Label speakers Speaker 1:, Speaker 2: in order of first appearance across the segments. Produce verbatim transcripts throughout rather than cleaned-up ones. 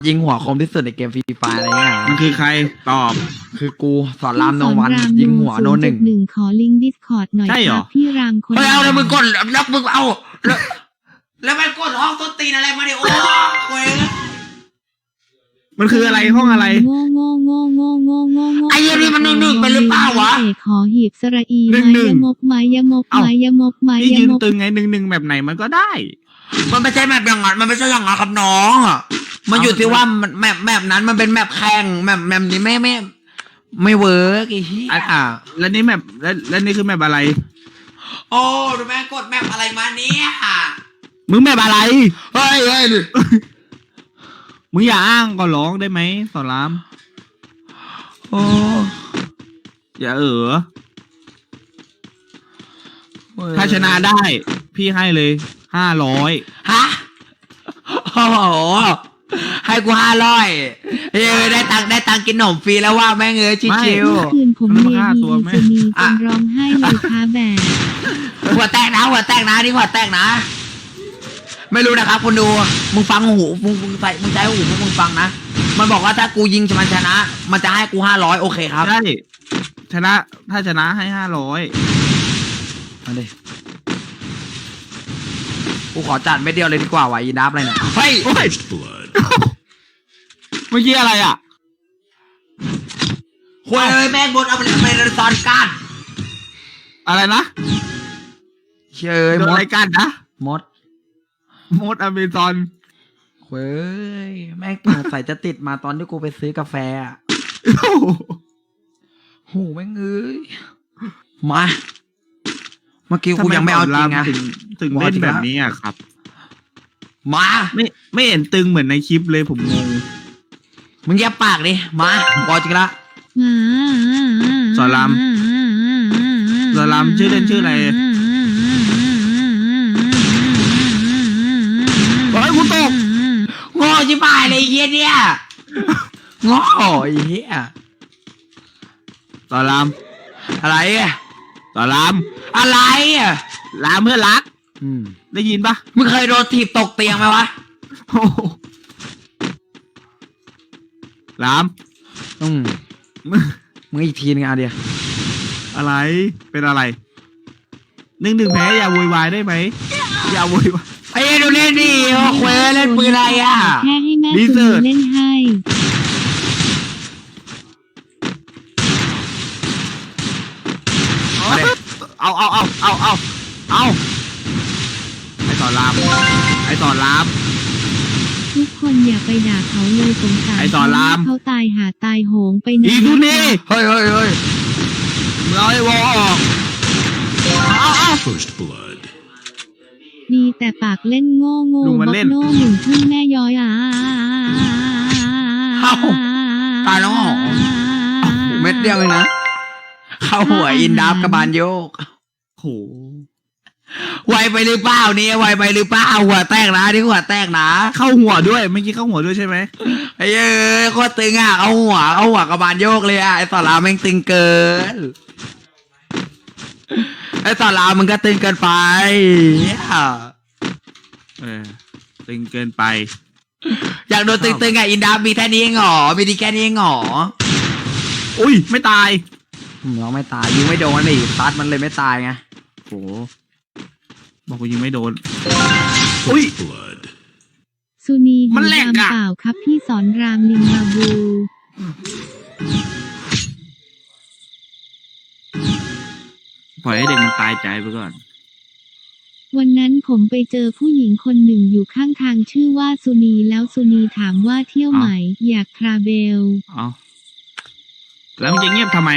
Speaker 1: ยิงหัวคมที่สุดในเกมฟรีไฟอะไรเงี้ย
Speaker 2: มันคือใครตอบ
Speaker 1: คือกูสอนรามโนวันยิงหัวโนหนึ่ง
Speaker 3: หนึ่งขอลิงก์ดิสคอร์ดหน่อย
Speaker 2: ใช่เหรอ
Speaker 3: ครับพี่รามคน
Speaker 1: เฮ้ยเอาเลยมึงกดแล้วมึงเอาแล้วแล้วมันกดห้องต้นตีนอะไรมาดิโอ้เว้ย
Speaker 2: มันคืออะไรห้องอะไร
Speaker 3: โง่โง่โง่โง่โง่โง่โง่
Speaker 1: ไอ้เหี้ยนี่มันหนึ่งหนึ่งไปหรือเปล่าวะ
Speaker 3: เอกขอหีบสระอี
Speaker 2: หนึ่ง
Speaker 3: ไม้
Speaker 2: หนึ่ง
Speaker 3: ยมกไม้ยมก
Speaker 2: เอ้า
Speaker 3: ไม้ยมกไม้
Speaker 2: พี่
Speaker 3: ย
Speaker 2: ยืน
Speaker 3: มก
Speaker 2: ตึงไงหนึ่งหนึ่งแบบไหนมันก็ได้
Speaker 1: มันไม่ใช่แมปอย่างนั้นมันไม่ใช่อย่างนั้นครับน้องอ่ะมันอยู่ที่ว่ามันแมปแมปนั้นมันเป็นแมปแข่งแมปแมปนี้ไม่ไม่ไม่เวิร์กไอ้เหี้ย
Speaker 2: อ่ะ แล้วนี่แบบแล้วแล้วนี่คือแบบอะไร
Speaker 1: โอ้ดูแม่กดแมปอะไรมาเนี่ย
Speaker 2: มึงแบบอะไร
Speaker 1: เฮ้ยเฮ้ย
Speaker 2: มึงอย่าอ้างก็ร้องได้ไหมสอนราม
Speaker 1: โอ้
Speaker 2: อย่าเออถ้าชนะได้ พี่ให้เลยห้าร้อย
Speaker 1: ฮะโอ้โหให้กูห้าร้อยเอ้ยได้ตังค์ได้ตังค์กินขนมฟรีแล้วว่าแม่งเอ้ยชิว
Speaker 3: เมื่อคืนผมเมียดีจะมีจนร้องไห้เลยค่ะแบบ
Speaker 1: ๆหัวแตกนะหัวแตกนะนี่หัวแตกนะ ไม่รู้นะครับคนดูมึงฟังหูมึงมึงใส่มึงใช้หูพวกมึงฟังนะมันบอกว่าถ้ากูยิงมันชนะ มันจะให้กูห้าร้อยโอเคครับ
Speaker 2: ใช่ชนะถ้าชนะให้ห้าร้อย
Speaker 1: มาดิกูขอจัดไม่เดียวเลยดีกว่าว่ะยีนับอะไรเนี่ยเฮ้ย
Speaker 2: โอ้ยเมื่อกี้อะไรอ่ะ
Speaker 1: คุยเลยแม่งบนเอาไปเลยไปเลยตอนก้าน
Speaker 2: อะไรนะ
Speaker 1: เชย
Speaker 2: โดน
Speaker 1: ม
Speaker 2: อะไร
Speaker 1: ด
Speaker 2: กันนะ
Speaker 1: มด
Speaker 2: มดอเมซอน
Speaker 1: เว้ยแม่งสงสัยจะติดมาตอนที่กูไปซื้อกาแฟอะโหแม่งเอ้ยมาเมื่อกี้กูยังไม่เอาจริงอะ
Speaker 2: ถึงถึงเล่นแบบนี้อ่ะครับ
Speaker 1: มา
Speaker 2: ไม่ไม่เห็นตึงเหมือนในคลิปเลยผมงง
Speaker 1: มึงแยบปากดิมาบอกจริงละ
Speaker 2: สอนรามสอนรามชื่อเล่นชื่ออะไรเฮ้ยกูตก
Speaker 1: โง่ชิบหายเลยไอ้เหี้ยเนี่ยโง่ไอ้เหี้ย
Speaker 2: สอนราม
Speaker 1: อะไรอะ
Speaker 2: สอนราม
Speaker 1: อะไรอะ
Speaker 2: รามเพื่อนรัก
Speaker 1: อืม
Speaker 2: ได้ยินปะ
Speaker 1: มึงเคยโดนถีบตกเตียงไหมวะ
Speaker 2: โอ้โหราม
Speaker 1: อืม
Speaker 2: มึง
Speaker 1: มึงอีกทีนึงเอาเดียว
Speaker 2: อะไรเป็นอะไรหนึ่งหนึ่งแพ้อย่าโวยวายได้ไหมอย่าโวยวาย
Speaker 1: ไอ้เหี้ยดูเล่นดิโอ้เคว้ยเล่นปืนอะไรอะ
Speaker 3: แค่ให้แม่
Speaker 2: ดี
Speaker 3: คุ
Speaker 2: เซิร์ต
Speaker 3: ณเล่นให้
Speaker 2: เอาเอาเอาเอาเอาเอาไอสอนรามไอสอนราม
Speaker 3: ทุกคนอย่าไปด่าเขาเลยสงสาร
Speaker 2: ไอ้สอนราม
Speaker 3: เขาตายหาตายโหงไปนะ
Speaker 2: อีทุนี่
Speaker 1: เฮ้ยเฮ้ยเฮ้ย
Speaker 2: มึงเอาไอ้วอลออกเอาเอา
Speaker 4: First blood.
Speaker 3: มีแต่ปากเล่นโง่โง่
Speaker 2: ลุงมัน
Speaker 3: บั
Speaker 2: เล่
Speaker 3: ก
Speaker 2: น
Speaker 3: โน่หนึ่งพึ่งแม่ย้อยอ่ะ
Speaker 1: เอ้าตายแล้วเหรอเม็ดเดียวเองนะเข้าหัวอินดับกระบาลโยก
Speaker 2: โห
Speaker 1: ไวไปหรือเปล่าเนี่ยไวไปหรือเปล่าหัวแตกนะที่หัวแตกนะ
Speaker 2: เข้าหัวด้วยเมื่อกี้เข้าหัวด้วยใช่ไหม
Speaker 1: ไอ้เอ้ยโคตรตึงอ่ะเอาหัวเอาหัวกระบาลโยกเลยอ่ะไอ้สอนรามแม่งตึงเกินไอ้สอนรามมึงก็ตึงเกินไปเนี่ย
Speaker 2: เออตึงเกินไป
Speaker 1: อยากโดนตึงๆอ่ะอินดับมีแค่นี้เองเหรอมีดีแค่นี้เองเหรอ
Speaker 2: อุ้ยไม่ตาย
Speaker 1: อืมเราไม่ตายยิงไม่โดนนี่ซัดมันเลยไม่ตายไง
Speaker 2: โหบอกกูยิงไม่โดนอุ้ย
Speaker 4: Blood.
Speaker 3: สุนี
Speaker 2: มันแหลก
Speaker 3: ดำ
Speaker 2: อะ
Speaker 3: เปล่าครับพี่สอนรามลิงมาบู
Speaker 2: ปล่อยให้เด็กมันตายใจไปก่อน
Speaker 3: วันนั้นผมไปเจอผู้หญิงคนหนึ่งอยู่ข้างทางชื่อว่าสุนีแล้วสุนีถามว่าเที่ยวไหมอยากทราเบล
Speaker 2: เอาแล้วมันจะเงียบทำไม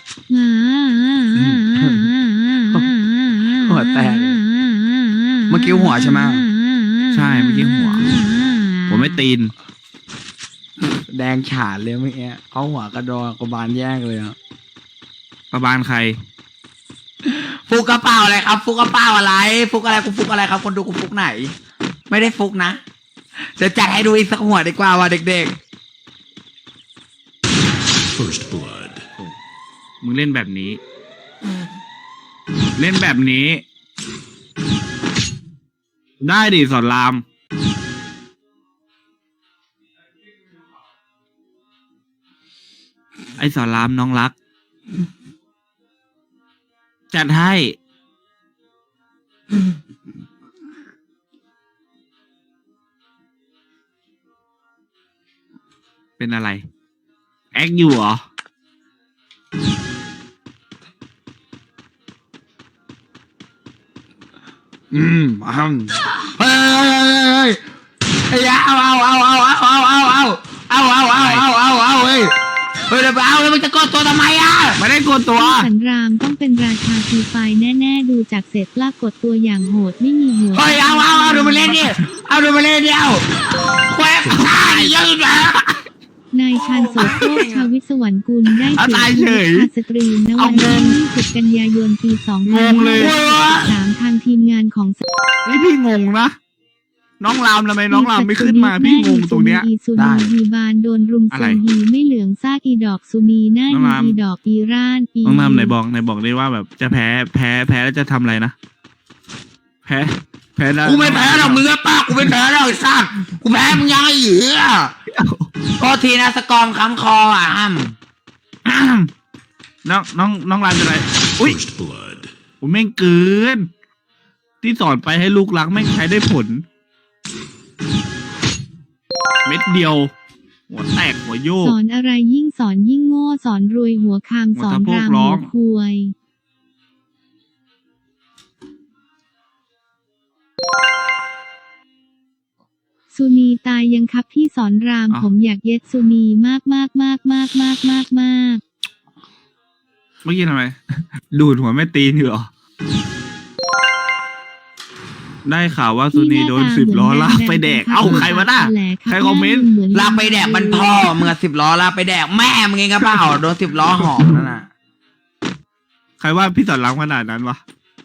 Speaker 1: หัวแตกเลยเมื่อกี้หัวใช่ไหม
Speaker 2: ใช่เมื่อกี้หัว ผมไม่ตีน
Speaker 1: แดงฉานเลยเมื่อกี้เขาหัวกระดอกระบาลแยกเลยอ่ะ
Speaker 2: ประบาลใคร
Speaker 1: ฟุกกระเป๋าอะไรครับ ฟุกกระเป๋าอะไร ฟุกอะไรกูฟุกอะไรครับ คนดูกูฟุกไหน ไม่ได้ฟุกนะเดี๋ยวจัดให้ดูอีกสักหัวดีกว่าว่ะเด็ก
Speaker 4: First blood.
Speaker 2: มึงเล่นแบบนี้ เล่นแบบนี้ ได้ดิสอนรามไอ้สอนรามน้องรัก จัดให้ เป็นอะไร แอคอยู่เหรอ
Speaker 1: อืมอืมเฮ้ยเฮ้ยเอาเอาเอาเอาเอาเอาเอาเอาเอาเอาเอาเอาเอาเอาเฮ้ยเฮ้ยเดี๋ยวไปเอาแล้วมันจะกดตัวทำไมอ่ะ
Speaker 2: ไม่ได้กดตัว
Speaker 3: พี่สันรามต้องเป็นราชาฟรีไฟร์แน่ๆดูจากเสร็จลากกดตัวอย่างโหดไม่มีหัว
Speaker 1: เฮ้ยเอาเอาเอาดูมาเล่นดิเอาดูมาเล่นดิเอาแควกตายยืดแล้ว
Speaker 3: นายชาญโสโครชาวิศวรรณกุลได้
Speaker 2: เอา
Speaker 3: เสี
Speaker 2: ตาย
Speaker 3: ย
Speaker 2: เฉ
Speaker 3: ชีวิ
Speaker 2: ย
Speaker 3: ตคาสตรีมณวันที่ยี่สิบกันยายนปีสองพัน
Speaker 2: งงเลย
Speaker 3: ห้าร้อยสิบสามทางทีมงานของ
Speaker 2: นี่พี่งงนะ น้องรามทำไมน้องรามไม่ขึ้นมา พี่งงตรงเนี้ย
Speaker 3: อีซูนีฮีบานโดนรุม
Speaker 2: อะ
Speaker 3: โซ
Speaker 2: ไร
Speaker 3: นฮีไม่เหลืองซากอีดอกซูนีหน้า
Speaker 2: น้องราม
Speaker 3: อีดอกอีร่านอี
Speaker 2: น้องรามไหนบอกไหนบอกได้ว่าแบบจะแพ้แพ้แพ้แล้วจะทำอะไรนะ แพ้แพ้แล้ว
Speaker 1: กูไม่แพ้หรอกมึงอะป้ากูไม่แพ้หรอกไอ้สัตว์กูแพ้มึงยังไงเหยือโทษทีนะสกอร์มค้ำคออ่ะอ้ำ
Speaker 2: อ้ามน้องน้องน้องรามจะอะไร อุ้ย
Speaker 4: First blood.
Speaker 2: ผมแม่งเกิน ที่สอนไปให้ลูกรักแม่งใช้ได้ผล เม็ดเดียว หัวแตกหัวโยก
Speaker 3: สอนอะไรยิ่งสอนยิ่งโง่สอนรวยหัวคามสอน
Speaker 2: หัว
Speaker 3: ราม
Speaker 2: สะโพกร้
Speaker 3: หั
Speaker 2: อ
Speaker 3: ว
Speaker 2: ง
Speaker 3: ควยสุนีตายยังครับพี่สอนราม
Speaker 2: อ้าว
Speaker 3: ผมอยากเย็ดสุนีมากมากมากมากมากมากมาก
Speaker 2: เมื่อกี้ทำไม ดูดหัวแม่ตีนอยู่เหรอ ได้ข่าวว่าซูนีโดนสิบล้อลากไปแดก เอ้าใครวะน่ะ ใครคอมเมนต์
Speaker 1: ลากไปแดกมันพ่อมึงอะสิบล้อลากไปแดกแม่มึงเองก็เปล่าโดนสิบล้อหอมนั่นน่ะ
Speaker 2: ใครว่าพี่สอนรามขนาดนั้นวะ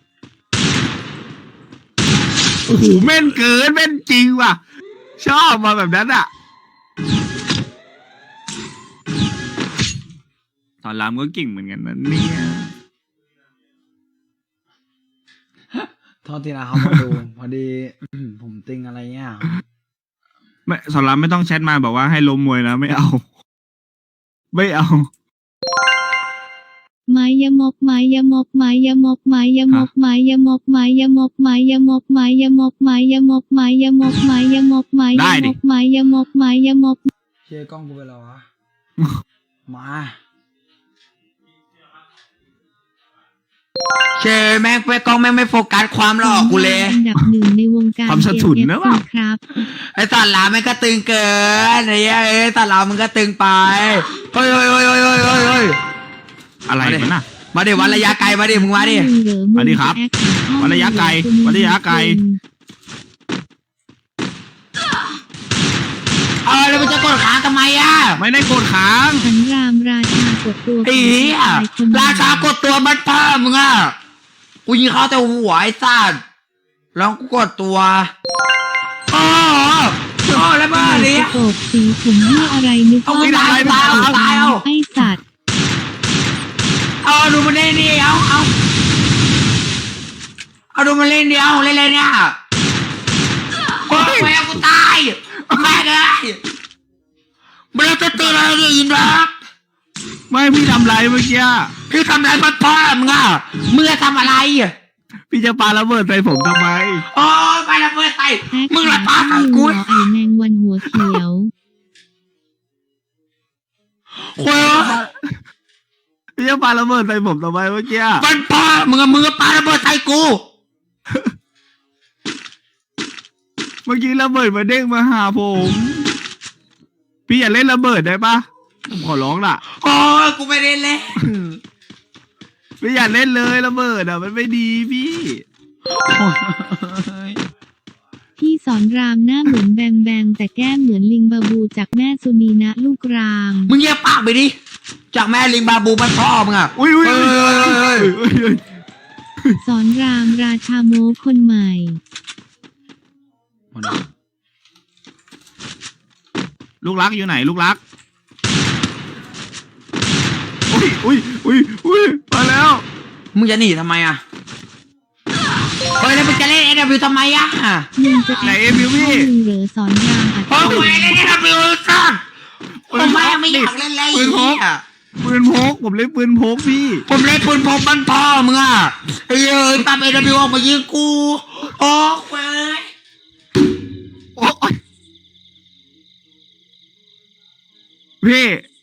Speaker 2: โอ้โหแม่นเกินแม่นจริงว่ะ ชอบมาแบบนั้นอ่ะ สอนรามก็เก่งเหมือนกันนะเนี่ย
Speaker 1: โทษทีนะเขามาดู พอดีผมติงอะไรเงี้ย
Speaker 2: ไม่สอนรามไม่ต้องแชทมาบอกว่าให้ล้มมวยนะไม่เอา ไม่เอา
Speaker 3: ไม้ยมกไม้ยมกไม้ยมกไม้ยมกไม้ยมกไม้ยมกไม้ยมกไม้ยมกไม้ยมกไม้ยมกไม้ยมกไม้ย
Speaker 2: ได้ดิ
Speaker 3: มกไม้ยมกไม้ยมก
Speaker 1: เชียร์กล้องกูไปแล้ววะ มาเชยแม่งไปกล้องแม่งไม่โฟกัสความหล่อกูเลย
Speaker 3: อันดับหนึ่งในวงการ
Speaker 2: ความสะทุนนะวะ
Speaker 3: เอฟซีครับ
Speaker 1: ไอ้สัตว์หลามมันก็ตึงเกินไอ้เหี้ยเอ้ยสัตว์หลามมันก็ตึงไปเฮ้ยเฮ้ยเฮ้ยเฮ้ยเฮ้ยเฮ้ยเฮ้ย
Speaker 2: อะไรกันน่ะ
Speaker 1: มาดิวัดระยะไกลมาดิมึงมาดิ
Speaker 2: สวัสดีครับวัดระยะไกลวัดระยะไกล
Speaker 1: เออแล้วมันจะกดขาทำไมอ่ะ
Speaker 2: ไม่ได้โกรธค้าง
Speaker 3: สันรามราชากดตัว
Speaker 1: ไอ้เหี้ยราชากดตัวมันเพิ่มมึงอ่ะกูยิงเขาแต่หัวไอ้สัตว์แล้วกูกดตัวโอ้โอ้แล้วมาดิ
Speaker 3: โกบสีผมยี่อะไรนึก
Speaker 1: เอา
Speaker 3: ว่า
Speaker 1: ไม่ได้ตายเอาตายเอา
Speaker 3: ไอสัตว์
Speaker 1: เอาดูมันเล่นดิเอาเอาเอาดูมันเล่นดิเอาเล่นเลยเนี่ยโอ้ยแม่กูตายแม่เลยมันจะตื่นอะไรเนี่ยยินรัก
Speaker 2: ไม่พี่ทำไรเมื่อกี้
Speaker 1: พี่ทำอะไรมันพ่อมึงอ่ะมึงจะทำอะไร
Speaker 2: พี่จะปาระเบิดใส่ผมทำไม
Speaker 1: โอ้ยไปละเพื่อนใส่
Speaker 3: แอ๊ก
Speaker 1: มึงละปาใส่
Speaker 3: มึง
Speaker 1: กู
Speaker 3: เหรอไอแมงวันหัวเขียว
Speaker 1: โอ้ย
Speaker 2: พี่จะปาระเบิดใส่ผมทำไมเมื่อกี้
Speaker 1: มันพ่อมึงอะมึงก็ปาระเบิดใส่กู
Speaker 2: เมื่อกี้ระเบิดมาเด้งมาหาผม พี่อย่าเล่นระเบิดได้ปะผมขอร้องล่ะ
Speaker 1: โอ้ยกูไม่ได้เล่น
Speaker 2: พี่อย่าเล่นเลยระเบิดอ่ะมันไม่ดีพี่
Speaker 3: พี่สอนรามหน้าเหมือนแบมแบมแต่แก้มเหมือนลิงบาบูจากแม่สุนีนะลูกราม
Speaker 1: มึงเงียบปากไปดิจากแม่ลิงบาบูมันพ่อมึงอ่ะ
Speaker 2: อุ้ยอุ้ย
Speaker 1: เฮ้
Speaker 2: อุ้ย
Speaker 1: ยเฮ้ยเฮ้ย
Speaker 2: อุ้ยอุ้ย
Speaker 3: สอนรามราชาโมคนใหม่
Speaker 2: ลูกรักอยู่ไหนลูกรัก อุ้ยอุ้ยอุ้ยอุ้ยมาแล้ว
Speaker 1: มึงจะหนีทำไมอ่ะเฮ้ยแล้วมึงจะเล่นเอ็นวิวทำไมอ่ะ
Speaker 3: มึงจะแอ
Speaker 2: ไหน
Speaker 3: บ
Speaker 2: เอ็มวิวพี่
Speaker 3: มึงเหรอสอนรามอัด
Speaker 1: โอ้ยเล่นเอ็นวิวสัตว์ทำไมไม่อยากเล่นเลย
Speaker 2: ปืนพก
Speaker 1: อ่ะ
Speaker 2: ปืนพกผมเล่นปืนพกพี่
Speaker 1: ผมเล่นปืนพกมันพ่อมึงอ่ะไอ้เอ้ยตามเอ็นบิวออกมายิงกูโอ้เว้ย
Speaker 2: โอ๊ยพี่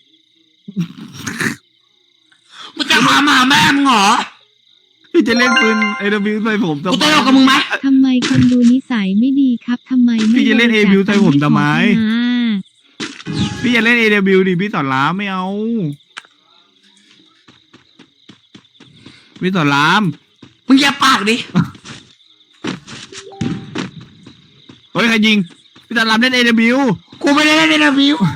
Speaker 1: มึงจะมาหาแม่มึงเหรอ
Speaker 2: พี่จะเล่นปืนเอเดบิวใส่ผมทำ
Speaker 1: กู
Speaker 2: ไม
Speaker 1: ตลกกับมึงไหม
Speaker 3: ทำไมคนดูนิสัยไม่ดีครับทำไมไม่
Speaker 2: พี่จะเล่น
Speaker 3: บ
Speaker 2: A
Speaker 3: ริจาค
Speaker 2: บิวใส่ผมทำไม
Speaker 3: ตังค์ให้ขอขมา
Speaker 2: พี่จะเล่นเอเดบิวดิพี่สอนรามไม่เอา พี่สอนราม
Speaker 1: มึงอย่าปากดิ
Speaker 2: เฮ้ยใครยิงพี่สอนรามเล่นเอเดบิว
Speaker 1: กูไม่ได้เล่นเอ็นบิว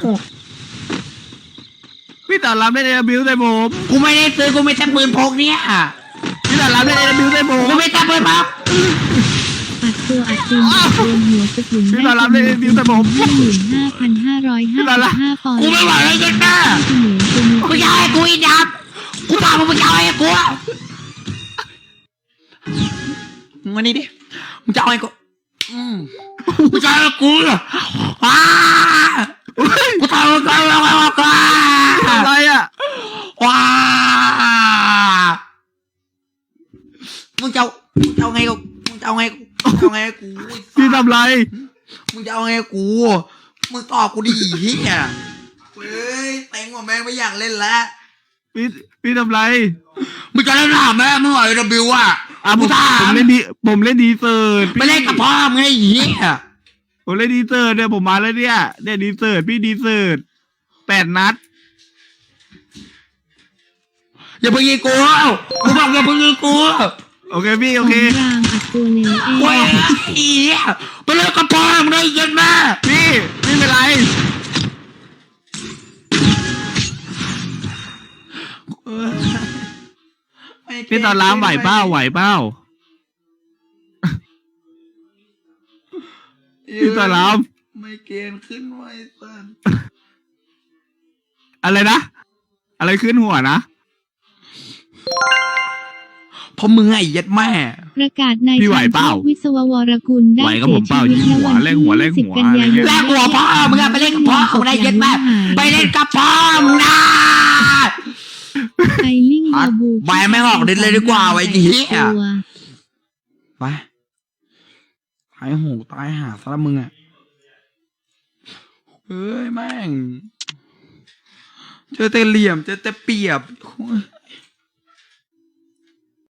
Speaker 2: พี่สอนรามเล่นเอเดบิวใส่ผม
Speaker 1: กูไม่ได้ซื้อกูไม่แต่ปืนพกเนี่ย
Speaker 2: พี่สอนรามเล่นเอเดบิวใส่ผม
Speaker 1: กูไม่แต่ปืนพก
Speaker 3: อัดตัวอัดตีนอัดโดนหัวสกุล
Speaker 2: พี่สอนรามเล่นเอเดบิวใส่ผม
Speaker 3: ห้าหมื่นห้าพันห้าร้อยห้าสิบห้าปอนด์
Speaker 1: กูไม่ไหวแล้วยันแม่
Speaker 3: เสมือนตัวมี
Speaker 1: มึงจะเอาให้กูอีดับกูพามึงไปเอาให้กูมึงมานี่ดิมึงจะเอาให้กูอืมมึงจะเอาให้กูเหรออ้ากูทำมึงก็เอาให้กู
Speaker 2: อะไรอ่ะ
Speaker 1: ว้ามึงจะเอามึงจะเอาไงกูมึงจะเอาไงกูมึงจะเอาไงกู
Speaker 2: พี่ทำไร
Speaker 1: มึงจะเอาไงกูมึงตอบกูดิเฮียเฮ้ยเต็งว่าแม่งไม่อยากเล่นแล้ว
Speaker 2: พี่พี่ทำไร
Speaker 1: มึงจะเล่นหน้าแม่มึงเหรอไอ้ดับบิวอ่ะ
Speaker 2: อ่ะผม
Speaker 1: ถา
Speaker 2: ผมเล่นดีผมเล่นดีเซิร์ต
Speaker 1: ไม่เล่นกับพ่อมึงไอ้เหี้ย
Speaker 2: ผมเล่นดีเซิร์ตเนี่ยผมมาแล้วเนี่ยเนี่ยดีเซิร์ตพี่ดีเซิร์ตแปดนัด
Speaker 1: อย่าไปยิงกูกูบอกอย่าไปยิงกู
Speaker 2: โอเคพี่โอ
Speaker 3: ของ
Speaker 2: เค
Speaker 3: รามอัดตัวเลวเอ
Speaker 1: เว้ย
Speaker 3: ง
Speaker 1: ไอ้เหี้ยไปเล่นกับพ่อมึงได้ยินไหม
Speaker 2: พี่ไม่เป็นไร พี่ตอนล้างไหวเป้าไหวเป้าพี่ตอนล้าง
Speaker 1: ไม่เกณฑ์ขึ้นไว้สัน
Speaker 2: อะไรนะ อะไรขึ้นหัวนะ
Speaker 1: เพราะมึงไอ้ยัดแม่
Speaker 3: ประกาศนาย
Speaker 2: พี่ไหวเปล่า
Speaker 3: วิศววรกุลได้
Speaker 2: ไหวกับ
Speaker 3: เสี
Speaker 2: ผ
Speaker 3: ย
Speaker 2: มเป
Speaker 3: ชี
Speaker 2: ล่า
Speaker 3: วิต
Speaker 2: ยิงหัว
Speaker 3: ในวัน
Speaker 2: แลกหัวแลกหั
Speaker 3: ที่
Speaker 2: ว
Speaker 3: สิบกันยายน
Speaker 1: แลกหัวพ่อมึงอะไปเล่นกับพ่อมึงได้ยัดแม่ไปเล่นกับพ่อมึงนะ
Speaker 3: ไอลิงบาบู
Speaker 1: ใบไม่ออกเด็ดเลยดีกว่าไว้ดีอะ
Speaker 3: ตัว
Speaker 1: ไปหายหูตายหาซะละมึงอ่ะเฮ้ยแม่งเจอแต่เหลี่ยมเจอแต่เปรียบ